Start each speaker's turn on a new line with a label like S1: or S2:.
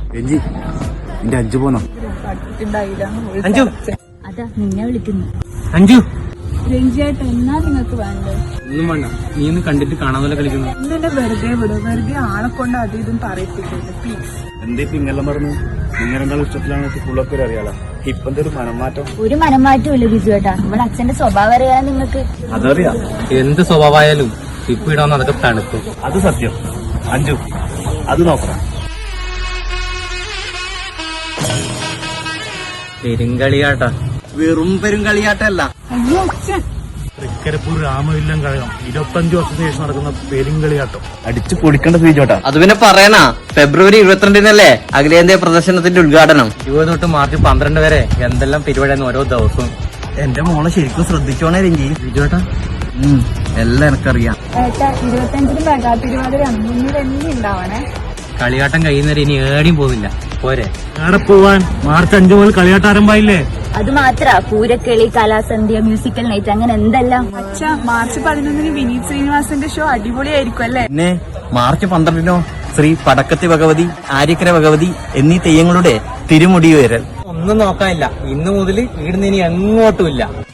S1: രഞ്ജി എന്റെ അഞ്ചു പോന്നോ?
S2: അഞ്ചു
S3: അതാ നിന്നെ വിളിക്കുന്നു.
S2: അഞ്ചു
S3: രഞ്ജിയായിട്ട് എന്നാ നിങ്ങൾക്ക് വേണ്ടത്?
S2: ഒന്നും വേണ്ട, നീ ഒന്ന് കണ്ടിട്ട് കാണാൻ പോലെ കളിക്കുന്നു.
S4: ഇന്നെ വെറുതെ വിടും, വെറുതെ ആളെ കൊണ്ട് അത് ഇതും പറയിപ്പിക്കരുത് പ്ലീസ്.
S1: എന്തേ പിങ്ങെല്ലാം പറഞ്ഞു? നിങ്ങൾ രണ്ടാളും ഇഷ്ടത്തിലാണ് ഫുള്ളൊക്കെ അറിയാലോ. ഇപ്പൊ ഒരു മനംമാറ്റം.
S3: ഒരു മനംമാറ്റവും ഇല്ല ബിജു ഏട്ടാ. ഇവിടെ അച്ഛന്റെ സ്വഭാവം അറിയാൻ നിങ്ങൾക്ക്.
S1: അതറിയാം.
S2: എന്ത് സ്വഭാവമായാലും ഇപ്പൊ ഇടാന്ന് അതൊക്കെ തണുക്കും.
S1: അത് സത്യം. അഞ്ചു അത് നോക്കണം.
S2: പെരുങ്കളിയാട്ടാ.
S5: വെറും പെരുങ്കളിയാട്ടല്ല,
S4: അയ്യോ അച്ഛൻ.
S1: തൃക്കരിപ്പൂർ രാമവില്ലം കഴകം 25 വർഷത്തിന് ശേഷം നടക്കുന്ന പെരുങ്കളിയാട്ടം അടിച്ചു പൊളിക്കേണ്ട ബിജുവേട്ടാ.
S5: അത് പിന്നെ പറയണ. ഫെബ്രുവരി 22-നല്ലേ അഖിലേന്ത്യാ പ്രദർശനത്തിന്റെ ഉദ്ഘാടനം.
S2: 20 തൊട്ട് മാർച്ച് 12 വരെ എന്തെല്ലാം പരിപാടിയാണ് ഓരോ ദിവസവും.
S5: എന്റെ മോളെ ശരിക്കും ശ്രദ്ധിച്ചോണേ രഞ്ജി.
S2: ബിജുവേട്ടാ
S5: എല്ലാം എനിക്കറിയാം.
S4: ഏട്ടാ 25-ന് മെഗാ തിരുവാതിരയാണ്, മുന്നിൽ എന്നെ ഉണ്ടാവണേ.
S2: കളിയാട്ടം കഴിയുന്നവരെ ഇനി ഏടിയും പോകുന്നില്ല. പോരെ?
S1: എവിടെ പോവാൻ? മാർച്ച് 5 മുതൽ കളിയാട്ടം ആരംഭമായില്ലേ?
S3: അത് മാത്ര പൂരക്കളി, കലാസന്ധ്യ, മ്യൂസിക്കൽ നൈറ്റ്, അങ്ങനെ എന്തെല്ലാം.
S4: അച്ഛാ മാർച്ച് 11-ന് വിനീത് ശ്രീനിവാസന്റെ ഷോ അടിപൊളിയായിരിക്കും അല്ലേ?
S5: പിന്നെ മാർച്ച് 12-നോ ശ്രീ പടക്കത്തി ഭഗവതി, ആര്യക്കര ഭഗവതി എന്നീ തെയ്യങ്ങളുടെ തിരുമുടി ഉയരൽ.
S2: ഒന്നും നോക്കാനില്ല. ഇന്ന് മുതൽ ഇവിടുന്ന് ഇനി എങ്ങോട്ടുമില്ല.